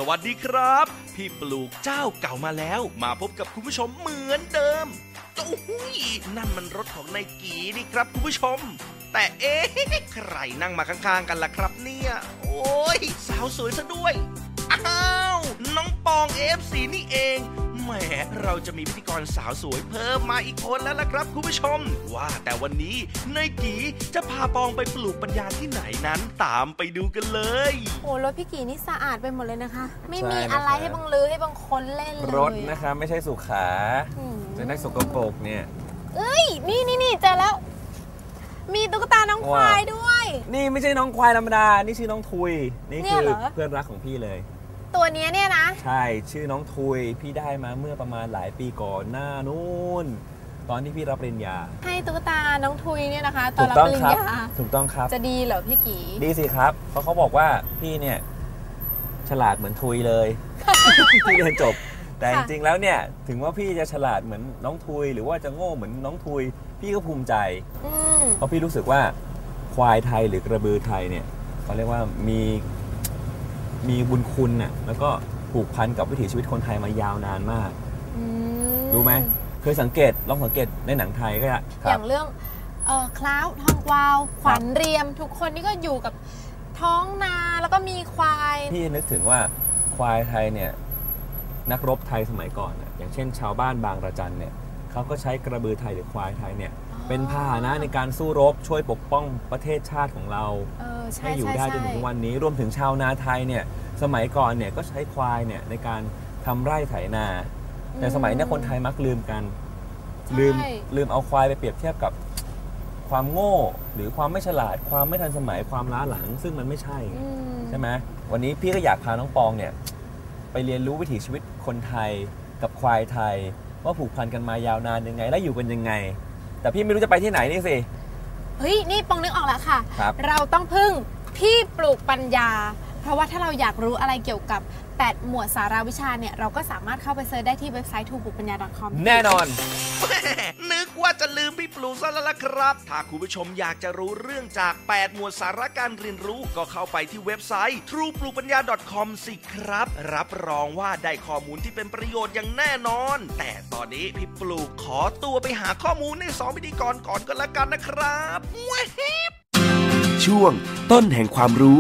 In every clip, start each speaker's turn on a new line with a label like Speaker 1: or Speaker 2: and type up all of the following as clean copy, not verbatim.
Speaker 1: วัสดีครับพี่ปลูกเจ้าเก่ามาแล้วมาพบกับคุณผู้ชมเหมือนเดิมโอ้โหนั่นมันรถของนายกีนี่ครับคุณผู้ชมแต่ใครนั่งมาข้างๆกันล่ะครับเนี่ยโอ้ยสาวสวยซะด้วยอ้าวน้องปองFCนี่เองแหมเราจะมีพิธีกรสาวสวยเพิ่มมาอีกคนแล้วล่ะครับคุณผู้ชมว่าแต่วันนี้นายกีจะพาปองไปปลูกปัญญาที่ไหนนั้นตามไปดูกันเลย
Speaker 2: โอ้รถพี่กีนี่สะอาดไปหมดเลยนะคะไม่มีอะไรให้บังลือให้บังคนเล่นเลย
Speaker 3: รถนะคะไม่ใช่สุขาจะได้สกปรกเนี่ย
Speaker 2: เอ้ยนี่เจอแล้วมีตุ๊กตาน้องควายด้วย
Speaker 3: นี่ไม่ใช่น้องควายธรรมดานี่ชื่อน้องทุยนี่คือเพื่อนรักของพี่เลย
Speaker 2: ตัวนี้เนี่ยนะ
Speaker 3: ใช่ชื่อน้องทุยพี่ได้มาเมื่อประมาณหลายปีก่อนหน้านู้นตอนที่พี่รับปริญญา
Speaker 2: ให้ตุ๊กตาน้องทุยเนี่ยนะคะตอนรับปริญญา
Speaker 3: ถูกต้องครับ
Speaker 2: จะดีเหรอพี่กี
Speaker 3: ดีสิครับเพราะเขาบอกว่าพี่เนี่ยฉลาดเหมือนทุยเลยพี่เรียนจบแต่จริงๆแล้วเนี่ยถึงว่าพี่จะฉลาดเหมือนน้องทุยหรือว่าจะโง่เหมือนน้องทุยพี่ก็ภูมิใจเพราะพี่รู้สึกว่าควายไทยหรือกระบือไทยเนี่ยเขาเรียกว่ามีบุญคุณน่ะแล้วก็ผูกพันกับวิถีชีวิตคนไทยมายาวนานมากรู้ไหมเคยสังเกตลองสังเกตในหนังไทยก็ได้
Speaker 2: อย่างเรื่องคล้าวทองกวาวขวัญเรียมทุกคนนี่ก็อยู่กับท้องนาแล้วก็มีควาย
Speaker 3: พี่นึกถึงว่าควายไทยเนี่ยนักรบไทยสมัยก่อนอย่างเช่นชาวบ้านบางระจันเนี่ยเขาก็ใช้กระบือไทยหรือควายไทยเนี่ยเป็นพาหนะในการสู้รบช่วยปกป้องประเทศชาติของเราให้อยู่ได้จนถึงวันนี้รวมถึงชาวนาไทยเนี่ยสมัยก่อนเนี่ยก็ใช้ควายเนี่ยในการทำไร่ไถนาแต่สมัยนี้คนไทยมักลืมกันลืมเอาควายไปเปรียบเทียบกับความโง่หรือความไม่ฉลาดความไม่ทันสมัยความล้าหลังซึ่งมันไม่ใช่ไหมวันนี้พี่ก็อยากพาน้องปองเนี่ยไปเรียนรู้วิถีชีวิตคนไทยกับควายไทยว่าผูกพันกันมายาวนานยังไงและอยู่กันยังไงแต่พี่ไม่รู้จะไปที่ไหนนี่สิ
Speaker 2: เฮ้ยนี่ปองนึกออกแล้วค่ะเราต้องพึ่งพี่ปลูกปัญญาเพราะว่าถ้าเราอยากรู้อะไรเกี่ยวกับ8หมวดสาระวิชาเนี่ยเราก็สามารถเข้าไปเซิร์ชได้ที่เว็บไซต์ tuplukkpanya.com
Speaker 3: แน่นอน
Speaker 1: นึกว่าจะลืมพี่ปลูกซะแล้วล่ะครับถ้าคุณผู้ชมอยากจะรู้เรื่องจาก8หมวดสาระการเรียนรู้ก็เข้าไปที่เว็บไซต์ tuplukkpanya.com สิครับรับรองว่าได้ข้อมูลที่เป็นประโยชน์อย่างแน่นอนแต่ตอนนี้พี่ปลูกขอตัวไปหาข้อมูลใน2พิธีกรก่อนก็แล้วกันนะครับ
Speaker 4: ช่วงต้นแห่งความรู้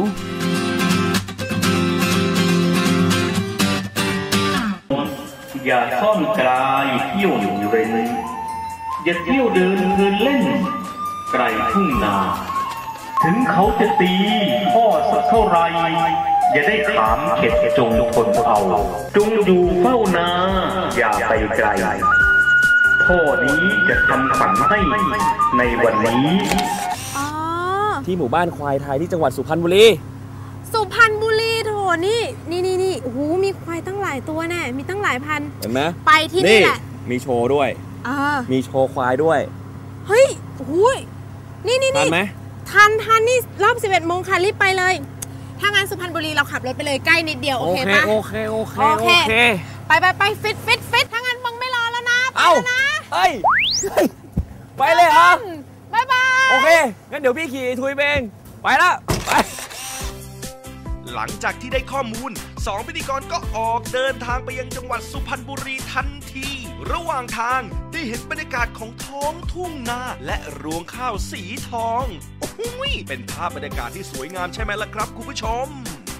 Speaker 5: อย่าซ่อนกลายเที่ยวอยู่เรนอย่าเที่ยวเดินเพลินเล่นไกลทุ่งนาถึงเขาจะตีพ่อสักเท่าไรอย่าได้ขามเข็ดจงทนเอาจงอยู่เฝ้านาอย่าไปไกลพ่อนี้จะทำฝันให้ในวันนี้
Speaker 3: ที่หมู่บ้านควายไทยที่จังหวัดสุพรรณบุรี
Speaker 2: โถนี่โอ้โหมีควายตั้งหลายตัวแน่มีตั้งหลายพัน
Speaker 3: เห็นไหม
Speaker 2: ไปที่นี่แหละ
Speaker 3: มีโชว์ด้วยมีโชว์ควายด้วย
Speaker 2: เฮ้ยโอ้โหนี่
Speaker 3: ทันไหม
Speaker 2: ทันนี่รอบ11 โมงค่ะรีบไปเลยถ้างั้นสุพรรณบุรีเราขับรถไปเลยใกล้นิดเดียวโอเคปะ
Speaker 3: โอเค
Speaker 2: ไปฟิตถ้างั้นมึงไม่รอแล้วนะไปแล้วนะ
Speaker 3: เฮ้ยไปเลยเหรอ
Speaker 2: บ๊ายบาย
Speaker 3: โอเคงั้นเดี๋ยวพี่ขี่ทุยเองไปแล้วไป
Speaker 1: หลังจากที่ได้ข้อมูล2พิธีกรก็ออกเดินทางไปยังจังหวัดสุพรรณบุรีทันทีระหว่างทางได้เห็นบรรยากาศของท้องทุ่งนาและรวงข้าวสีทองโอ้โหเป็นภาพบรรยากาศที่สวยงามใช่ไหมล่ะครับคุณผู้ชม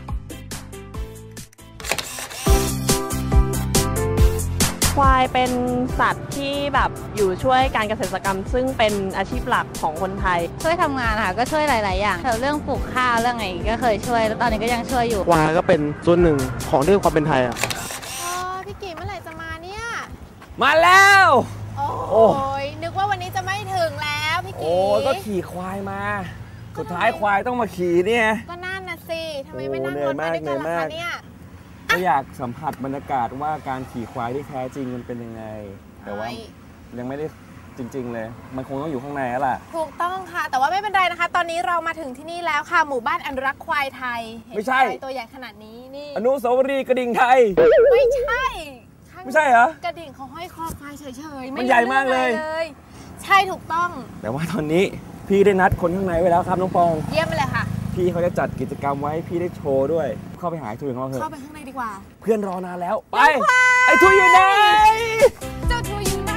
Speaker 6: ควายเป็นสัตว์ที่แบบอยู่ช่วยการเกษตรกรรมซึ่งเป็นอาชีพหลักของคนไทย
Speaker 7: ช่วยทำงานค่ะก็ช่วยหลายๆอย่างเรื่องปลูกข้าวเรื่องอะไรก็เคยช่วยแล้วตอนนี้ก็ยังช่วยอยู่
Speaker 8: ควายก็เป็นส่วนหนึ่งของเรื่องความเป็นไทย
Speaker 2: พี่กีเมื่อไหร่จะมาเนี่ย
Speaker 3: มาแล้ว
Speaker 2: โอ้ยนึกว่าวันนี้จะไม่ถึงแล้วพี่กี
Speaker 3: โอ้ก็ขี่ควายมาสุดท้ายควายต้องมาขี่เนี่ย
Speaker 2: ก็นั่นน่ะสิทำไมไม่นั่งรถมาด้วยกันล่ะคะเนี่ย
Speaker 3: ก็อยากสัมผัสบรรยากาศว่าการขี่ควายที่แท้จริงมันเป็นยังไงแต่ว่ายังไม่ได้จริงๆเลยมันคงต้องอยู่ข้างในแล้วล่ะ
Speaker 2: ถูกต้องค่ะแต่ว่าไม่เป็นไรนะคะตอนนี้เรามาถึงที่นี่แล้วค่ะหมู่บ้านอนุรักษ์ควายไทย
Speaker 3: ไม่ใช่
Speaker 2: ตัวใหญ่ขนาดนี้นี่
Speaker 3: อนุสาวรีย์กระดิ่งไทย
Speaker 2: ไม่ใช่
Speaker 3: เหร
Speaker 2: อกระดิ่งเขาห้อยคอควายเฉยๆ
Speaker 3: มันใหญ่มากเลย
Speaker 2: ใช่ถูกต้อง
Speaker 3: แต่ว่าตอนนี้พี่ได้นัดคนข้างในไว้แล้วครับน้องปอง
Speaker 2: เยี่ยมไปเลยค่ะ
Speaker 3: พี่เขาจะจัดกิจกรรมไว้พี่ได้โชว์ด้วยเข้าไปหาไอ้ทุยของเราเถอะ
Speaker 2: เข้าไปข้างในดีกว่า
Speaker 3: เพื่อนรอนานแล้วไปไอ้ทุยอยู่ไหน
Speaker 2: เจ้าทุยอยู่ไหน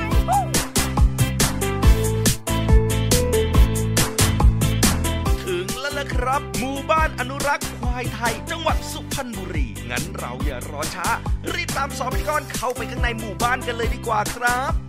Speaker 1: ถึงแล้วล่ะครับหมู่บ้านอนุรักษ์ควายไทยจังหวัดสุพรรณบุรีงั้นเราอย่ารอช้ารีบตามสองพิธีกรเข้าไปข้างในหมู่บ้านกันเลยดีกว่าครับ